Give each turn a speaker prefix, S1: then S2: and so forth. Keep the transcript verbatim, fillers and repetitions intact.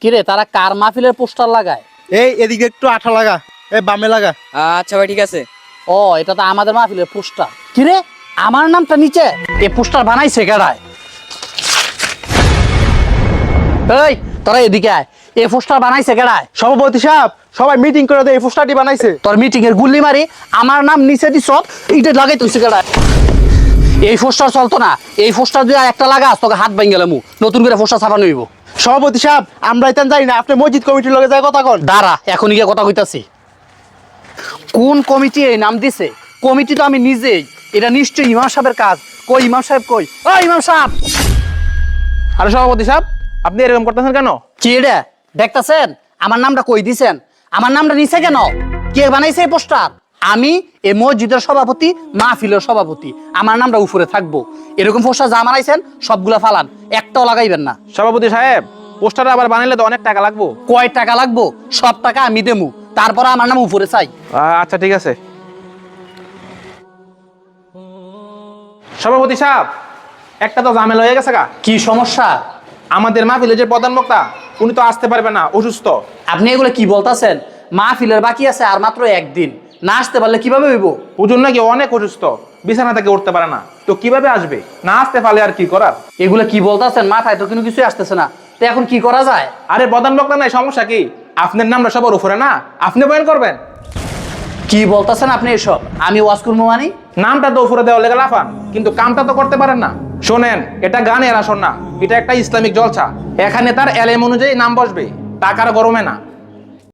S1: কিরে তারা কার মাহফিলের পোস্টার লাগায়?
S2: এই এদিকে একটু আঠা লাগা, এই বামে লাগা।
S3: আচ্ছা ভাই ঠিক আছে।
S1: ও এটা তো আমাদের মাহফিলের পোস্টার। কিরে আমার নামটা নিচে এই পোস্টার বানাইছে কেডায়? এই তোরা এদিকে আয়, এই পোস্টার বানাইছে কেডায়?
S2: সভাপতি সাহেব, সবাই মিটিং করে দেয়, এই পোস্টারটি বানাইছে।
S1: তোর মিটিং এর গুল্লি মারি আমার নাম নিচে দিছ, এইটা লাগাই তুইছে কেডায়? এই পোস্টার চলতো না, এই পোস্টার যদি আর একটা লাগাস তোকে হাত ভাঙ গেলাম, নতুন করে পোস্টার ছাপানো হইব।
S2: সভাপতি সাহেব, আমরা এটা যাই না, আপনি মসজিদ কমিটির লগে যায় কথা কন।
S1: দাঁড়া এখনই গিয়ে কথা কইতাছি। কোন কমিটি এই নাম দিছে? কমিটি তো আমি নিজেই, এটা নিশ্চয়ই ইমাম সাহেবের কাজ। কই ইমাম সাহেব কই? ও ইমাম সাহেব!
S4: আরে সভাপতি সাহেব, আপনি এরকম করতেছেন কেন?
S1: কি এটা দেখতাছেন? আমার নামটা কই দিছেন? আমার নামটা নিচে কেন? কে বানাইছে এই পোস্টার? আমি এই মসজিদের সভাপতি, মাহফিলের সভাপতি, আমার নামটা উপরে থাকবো। এরকম পোস্টার যা বানাইছেন সবগুলা ফালান, একটাও লাগাইবেন না।
S4: সভাপতি সাহেব, পোস্টার আবার বানাইলে তো অনেক টাকা লাগবো।
S1: কয় টাকা লাগবো? সব টাকা আমি দেবো, তারপরে আমার নাম উপরে চাই।
S4: আচ্ছা ঠিক আছে। সভাপতি সাহেব, একটা তো ঝামেলা হয়ে গেছে গা।
S1: কি সমস্যা?
S4: আমাদের মাহফিলের যে প্রধান বক্তা, উনি তো আসতে পারবে না, অসুস্থ।
S1: আপনি এগুলো কি বলতাছেন? মাহফিলের বাকি আছে আর মাত্র একদিন, না আসতে পারলে কিভাবে হইব?
S4: হুজুর নাকি অনেক অসুস্থ, বিছানা থেকে উঠতে পারে না, তো কিভাবে আসবে? না আসতে পারলে আর কি করার?
S1: এগুলো কি বলতাছেন? মাথায় তো কোনো কিছুই আসতেছে না, তো এখন কি করা যায়?
S4: আরে প্রধান বক্তা নাই, সমস্যা কি? আপনার নামটা সবার উপরে না, আপনি বয়ান করবেন।
S1: কি বলতাছেন আপনি এসব? আমি ওয়াজ করবো মানে?
S4: নামটা তো উপরে দেওয়া লেগে লাফান, কিন্তু কামটা তো করতে পারেন না। শোনেন, এটা গানের আসর না, এটা একটা ইসলামিক জলসা। এখানে তার এলএম অনুযায়ী নাম বসবে, টাকার গরমে না।